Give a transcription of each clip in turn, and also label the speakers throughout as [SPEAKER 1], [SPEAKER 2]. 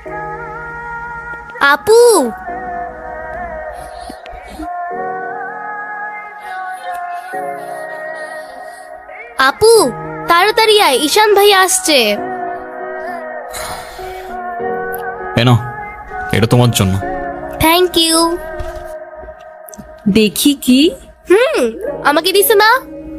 [SPEAKER 1] আপু, আপু তাড়াতাড়ি আয়, ঈশান ভাই আসছে।
[SPEAKER 2] এনো, এটা তোমার জন্য।
[SPEAKER 1] Thank you.
[SPEAKER 3] দেখি কি?
[SPEAKER 1] আমাকে দিছে না?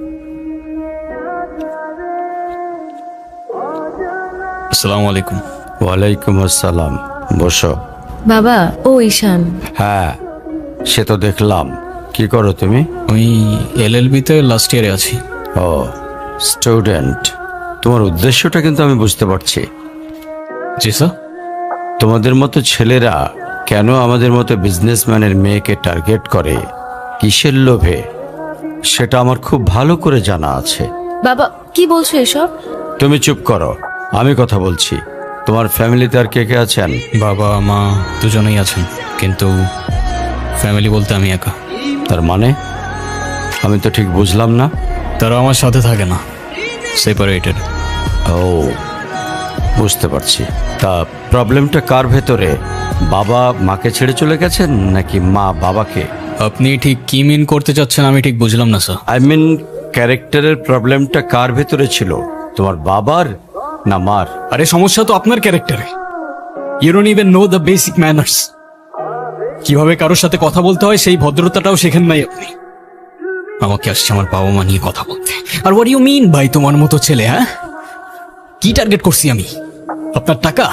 [SPEAKER 2] আসসালামু আলাইকুম।
[SPEAKER 4] ওয়ালাইকুম আসসালাম, বসো।
[SPEAKER 3] বাবা, ও ঈশান।
[SPEAKER 4] হ্যাঁ, সে তো দেখলাম। কি করো তুমি?
[SPEAKER 2] আমি এলএলবি-তে লাস্ট ইয়ারে আছি।
[SPEAKER 4] ও, স্টুডেন্ট। তোমার উদ্দেশ্যটা কিন্তু আমি বুঝতে পারছি।
[SPEAKER 2] জি স্যার।
[SPEAKER 4] তোমাদের মতো ছেলেরা কেন আমাদের মতো বিজনেসম্যানের মেয়েকে টার্গেট করে, কিসের লোভে, সেটা আমার খুব ভালো করে জানা আছে।
[SPEAKER 3] বাবা, কি বলছো এসব?
[SPEAKER 4] তুমি চুপ করো, আমি কথা বলছি। তোমার ফ্যামিলিতে আর কে কে আছেন?
[SPEAKER 2] বাবা মা দুজনেই আছেন, কিন্তু ফ্যামিলি বলতে আমি একা।
[SPEAKER 4] তার মানে আমি তো ঠিক বুঝলাম না।
[SPEAKER 2] তারা আমার সাথে থাকে না, সেপারেটেড।
[SPEAKER 4] ও, বুঝতে পারছি। তা প্রবলেমটা কার ভেতরে? বাবা মাকে ছেড়ে চলে গেছেন নাকি মা বাবাকে?
[SPEAKER 2] আপনি ঠিক কি মিন করতে চাচ্ছেন আমি ঠিক বুঝলাম না স্যার।
[SPEAKER 4] আই মিন, ক্যারেক্টারের প্রবলেমটা কার ভেতরে ছিল, তোমার বাবার না মার?
[SPEAKER 2] আরে সমস্যা তো আপনার ক্যারেক্টারে। You don't even know the basic manners. কিভাবে কারোর সাথে কথা বলতে হয় সেই ভদ্রতাটাও শেখেন নাই আপনি। আমাকে আসছে আমার বাবা মা নিয়ে কথা বলতে। আর হোয়াট ইউ মিন ভাই, তোমার মতো ছেলে? হ্যাঁ, কি টার্গেট করছি আমি? আপনার টাকা?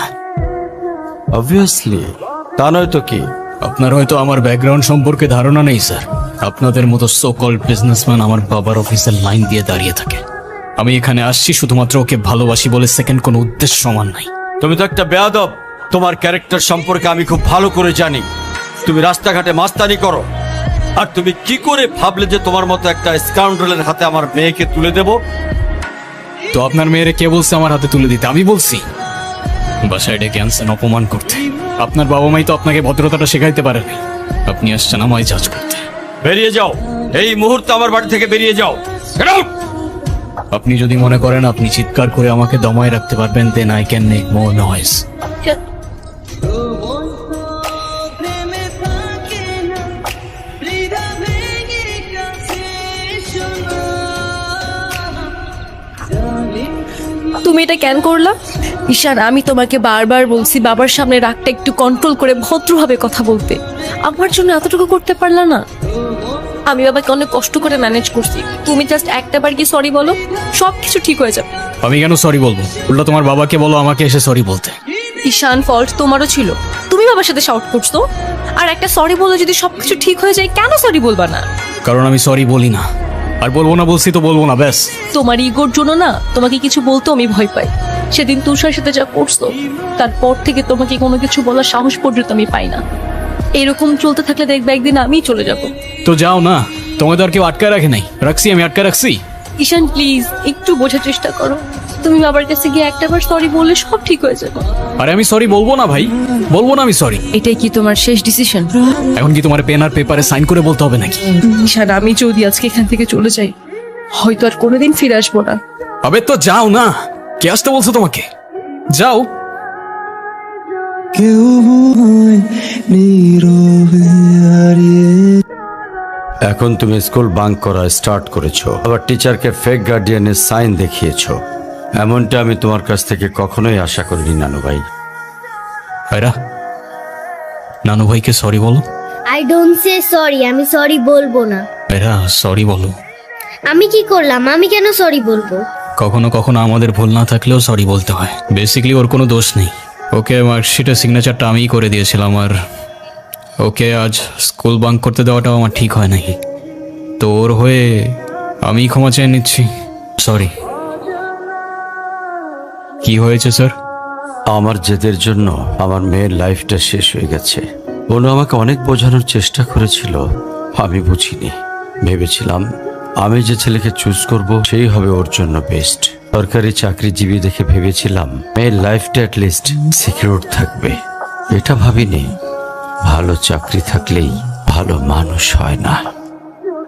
[SPEAKER 4] অবভিয়াসলি, তা নয় তো কি?
[SPEAKER 2] আপনার হয়তো আমার ব্যাকগ্রাউন্ড সম্পর্কে ধারণা নেই স্যার। আপনাদের মতো সো কল্ড বিজনেসম্যান আমার বাবার অফিসের লাইন দিয়ে দাঁড়িয়ে থাকে। আমি এখানে আসছি শুধুমাত্র ওকে ভালোবাসি বলে, সেকেন্ড কোনো উদ্দেশ্য সমান নাই।
[SPEAKER 4] তুমি তো একটা বেয়াদব। তোমার ক্যারেক্টার সম্পর্কে আমি খুব ভালো করে জানি। তুমি রাস্তাঘাটে মাস্তানি করো, আর তুমি কি করে ভাবলে যে তোমার মতো একটা স্কাউন্ডারের হাতে আমার মেয়েকে তুলে দেব?
[SPEAKER 2] তো আপনার মেয়েরে কে বলছে আমার হাতে তুলে দিতে? আমি বলছি? বাসায় ডেকে আনছেন অপমান করতে। আপনার বাবা মাই তো আপনাকে ভদ্রতাটা শেখাইতে পারেনি। আপনি আসছেন আমায় জাজ করতে।
[SPEAKER 4] বেরিয়ে যাও, এই মুহূর্তে আমার বাড়ি থেকে বেরিয়ে যাও। Get out!
[SPEAKER 2] আপনি যদি মনে করেন আপনি চিৎকার করে আমাকে দমায় রাখতে পারবেন, then I can make more noise.
[SPEAKER 3] তুমি এটা কেন করলা? ঈশান, আমি তোমাকে বারবার বলছি বাবার সামনে রাগটা একটু কন্ট্রোল করে ভদ্রভাবে কথা বলতে। আমার জন্য এতটুকু করতে পারলা না? আমি বাবাকে অনেক কষ্ট করে ম্যানেজ করছি। তুমি জাস্ট একটাবার কি সরি বলো, সব কিছু ঠিক হয়ে যাবে।
[SPEAKER 2] আমি কেন সরি বলবো? উল্টা তোমার বাবাকে বলো আমাকে এসে সরি বলতে।
[SPEAKER 3] ঈশান, ফল্ট তোমারও ছিল। তুমি বাবার সাথে শাউট করছো, আর একটা সরি বলে যদি সবকিছু ঠিক হয়ে যায়, কেন সরি বলবা না?
[SPEAKER 2] কারণ আমি সরি বলি না, আর বলবো না বলছি তো বলবো না, ব্যাস।
[SPEAKER 3] তোমার ইগোর জন্য না তোমাকে কিছু বলতেও আমি ভয় পাই। সেদিন তুষার সাথে যা করছো, তারপর থেকে তোমাকে কোনো কিছু বলার সাহস পর্যন্ত আমি পাই না। এরকম চলতে থাকলে দেখবে একদিন আমিই চলে যাব।
[SPEAKER 2] তো যাও না, তোমায় তো আর কেউ আটকায় রাখে নাই। রাখছি, আমি আটকায় রাখছি?
[SPEAKER 3] ঈশান প্লিজ একটু বোঝার চেষ্টা করো। তুমি বাবার কাছে গিয়ে একটাবার সরি বললে সব ঠিক হয়ে যাবে।
[SPEAKER 2] আরে আমি সরি বলবো না ভাই, বলবো না আমি সরি।
[SPEAKER 3] এটাই কি তোমার শেষ ডিসিশন?
[SPEAKER 2] এখন কি তোমার পেন আর পেপারে সাইন করে বলতে হবে নাকি?
[SPEAKER 3] ঈশান, আমি যদি আজকে এখান থেকে চলে যাই, হয়তো আর কোনোদিন ফিরে আসবো না।
[SPEAKER 2] আবে তো যাও না, কে আসতে বলছো তোমাকে? যাও।
[SPEAKER 4] এখন তুমি স্কুল বাঙ্ক করা স্টার্ট করেছো, আবার টিচারকে ফেক গার্ডিয়ানের সাইন দেখিয়েছো। এমনটা আমি তোমার কাছ থেকে কখনোই আশা করিনি নানু ভাই।
[SPEAKER 2] ভাইরা, নানু ভাইকে সরি বলো।
[SPEAKER 1] আই ডোন্ট সে সরি, আমি সরি বলবো না।
[SPEAKER 2] ভাইরা সরি বলো।
[SPEAKER 1] আমি কি করলাম? আমি কেন সরি বলবো?
[SPEAKER 2] কখনো কখনো আমাদের ভুল না থাকলেও সরি বলতে হয়। বেসিক্যালি ওর কোনো দোষ নেই। ওকে মার্কশিটের সিগনেচারটা আমিই করে দিয়েছিলাম, আর ওকে আজ স্কুল বাঙ্ক করতে দেওয়াটাও আমার ঠিক হয় নাই। তো ওর হয়ে আমি ক্ষমা চেয়ে নিচ্ছি, সরি। কি হয়েছে স্যার?
[SPEAKER 4] আমার জেদের জন্য আমার মেয়ের লাইফটা শেষ হয়ে গেছে। ওনো আমাকে অনেক বোঝানোর চেষ্টা করেছিল, আমি বুঝিনি। ভেবেছিলাম আমি যে ছেলেকে চুজ করব সেই হবে ওর জন্য বেস্ট। সরকারি চাকরিজীবী দেখে ভেবেছিলাম মেয়ের লাইফটা অ্যাটলিস্ট সিকিউর থাকবে। এটা ভাবিনি ভালো চাকরি থাকলেই ভালো মানুষ হয় না।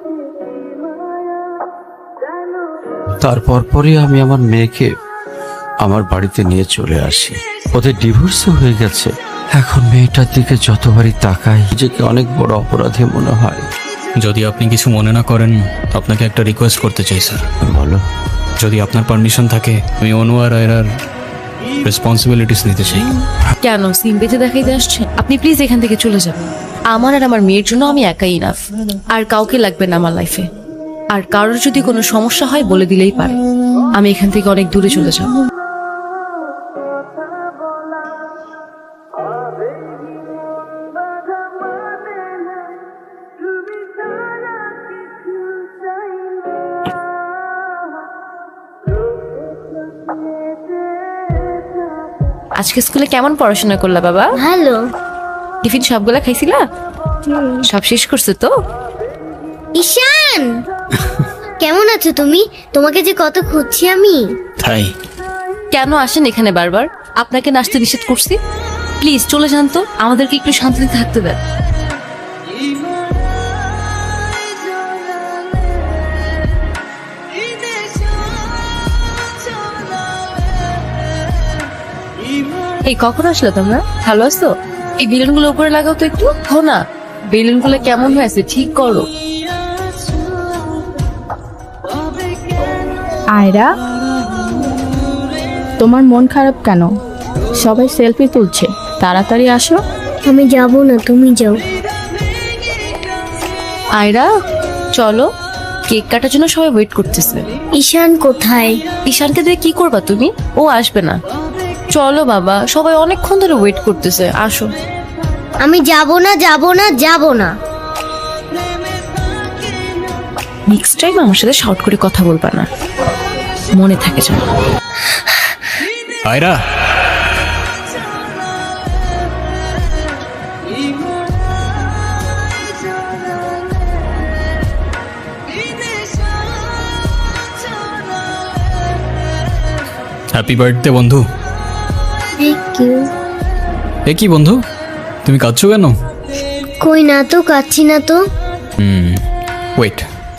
[SPEAKER 4] তারপর পরই আমি আমার মেয়েকে আমার বাড়িতে নিয়ে চলে আসি। ওদের ডিভোর্সও হয়ে গেছে। এখন মেয়েটার দিকে যতবারই তাকাই নিজেকে অনেক বড় অপরাধী মনে হয়।
[SPEAKER 2] যদি আপনি কিছু মনে না করেন, আপনাকে একটা রিকোয়েস্ট করতে চাই স্যার।
[SPEAKER 4] বলো।
[SPEAKER 2] যদি আপনার পারমিশন থাকে, আমি অনু আর আয়রার রেসপন্সিবিলিটিস নিতে চাই।
[SPEAKER 3] কেন সিম বেঁধে দেখাইতে আসছেন? আপনি প্লিজ এখান থেকে চলে যাবেন। আমার আর আমার মেয়ের জন্য আমি একাই ইনাফ, আর কাউকে লাগবে না আমার লাইফে। আর কারোর যদি কোনো সমস্যা হয় বলে দিলেই পারে। আমি এখান থেকে অনেক দূরে চলে যাব। আজকে স্কুলে কেমন পড়াশোনা করলা বাবা?
[SPEAKER 1] ভালো।
[SPEAKER 3] টিফিন সবগুলা খাইছিলা? সব শেষ করছে তো?
[SPEAKER 1] ঈশান, কেমন আছো তুমি? তোমাকে যে কত খুঁজছি আমি।
[SPEAKER 2] তাই
[SPEAKER 3] কেন আসেন এখানে বারবার? আপনাকে নাচতে নিষেধ করছি? প্লিজ চলে যান তো, আমাদেরকে একটু শান্তিতে থাকতে দেন। এই কখন আসলে তোমরা? ভালো আছো? এই বেলুনগুলো উপরে লাগাও তো একটু। হো না, বেলুনগুলো কেমন হয়েছে ঠিক করো।
[SPEAKER 5] আয়রা, তোমার মন খারাপ কেন? সবাই সেলফি তুলছে, তাড়াতাড়ি আসো।
[SPEAKER 1] আমি যাব না, তুমি যাও।
[SPEAKER 3] আয়রা চলো, কেক কাটার জন্য সবাই ওয়েট করতেছে।
[SPEAKER 1] ঈশান কোথায়?
[SPEAKER 3] ঈশানকে দিয়ে কি করবা তুমি? ও আসবে না। চলো বাবা, সবাই অনেকক্ষণ ধরে ওয়েট করতেছে, আসো।
[SPEAKER 1] আমি যাব না, যাব না, যাব না।
[SPEAKER 3] নেক্সট টাইম আমার সাথে শর্ট করে কথা বলবা না, মনে থাকে যেন।
[SPEAKER 2] আয়রা, হ্যাপি বার্থডে বন্ধু।
[SPEAKER 1] Thank you.
[SPEAKER 2] এ কি বন্ধু, তুমি কাঁদছো কেন?
[SPEAKER 1] কই না তো, কাচ্ছি না তো।
[SPEAKER 2] ওয়েট,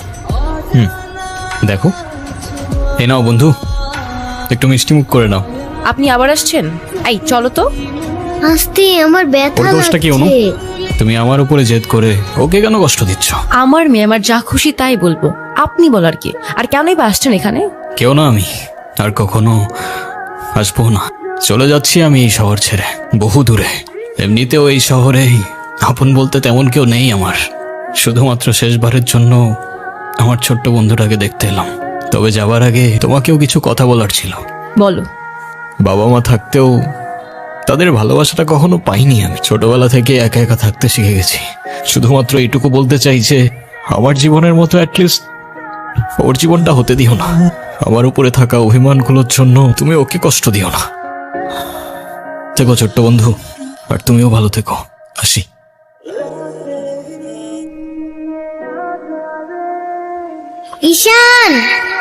[SPEAKER 2] দেখো, এ নাও বন্ধু, একটু মিষ্টি মুখ করে নাও।
[SPEAKER 3] আপনি আবার আসছেন? এই চলো তো।
[SPEAKER 1] আস্তে, আমার ব্যথা
[SPEAKER 2] ওর দোষটা কি অনু?
[SPEAKER 1] লাগছে।
[SPEAKER 2] তুমি আমার উপরে জেদ করে ওকে কেন কষ্ট দিচ্ছ?
[SPEAKER 3] আমার মেয়ে, আমার যা খুশি তাই বলবো, আপনি বলার কি? আর কেনই বা আসছেন এখানে?
[SPEAKER 2] কেউ না, আমি আর কখনো আসবো না। চলে যাচ্ছি আমি এই শহর ছেড়ে, বহু দূরে। এমনিতেও এই শহরে আপন বলতে তেমন কেউ নেই আমার। শুধুমাত্র শেষবারের জন্য আমার ছোট্ট বন্ধুটাকে দেখতে এলাম। তবে যাবার আগে তোমাকেও কিছু কথা বলার ছিল।
[SPEAKER 3] বলো।
[SPEAKER 2] বাবা মা থাকতেও তাদের ভালোবাসাটা কখনো পাইনি আমি। ছোটবেলা থেকে একা একা থাকতে শিখে গেছি। শুধুমাত্র এইটুকু বলতে চাই যে আমার জীবনের মতো অ্যাটলিস্ট ওর জীবনটা হতে দিও না। আমার উপরে থাকা অভিমানগুলোর জন্য তুমি ওকে কষ্ট দিও না। থেকো ছোট্ট বন্ধু, আর তুমিও ভালো থেকো। আসি।
[SPEAKER 1] ঈশান,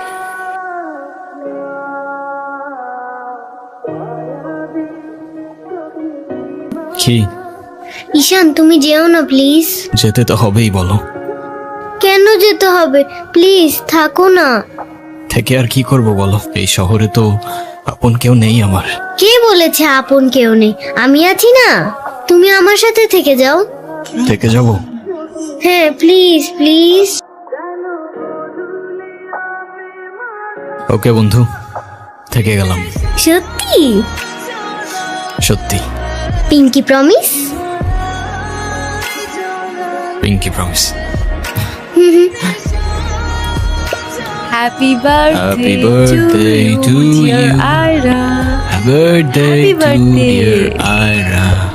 [SPEAKER 2] কি?
[SPEAKER 1] ঈশান তুমি যেও না প্লিজ।
[SPEAKER 2] যেতে তো হবেই, বলো।
[SPEAKER 1] কেন যেতে হবে? প্লিজ থাকো না।
[SPEAKER 2] থেকে আর কি করব বলো? এই শহরে তো আপন কেউ নেই আমার।
[SPEAKER 1] কে বলেছে আপন কেউ নেই? আমি আছি না, তুমি আমার সাথে থেকে যাও।
[SPEAKER 2] থেকে যাব?
[SPEAKER 1] হ্যাঁ প্লিজ প্লিজ।
[SPEAKER 2] ওকে বন্ধু, থেকে গেলাম।
[SPEAKER 1] সত্যি?
[SPEAKER 2] সত্যি।
[SPEAKER 1] Pinky promise?
[SPEAKER 2] Pinky promise.
[SPEAKER 3] Happy
[SPEAKER 2] Happy birthday to you.
[SPEAKER 3] Ayra.
[SPEAKER 2] Happy birthday
[SPEAKER 3] Happy
[SPEAKER 2] to
[SPEAKER 3] birthday.
[SPEAKER 2] dear Ira.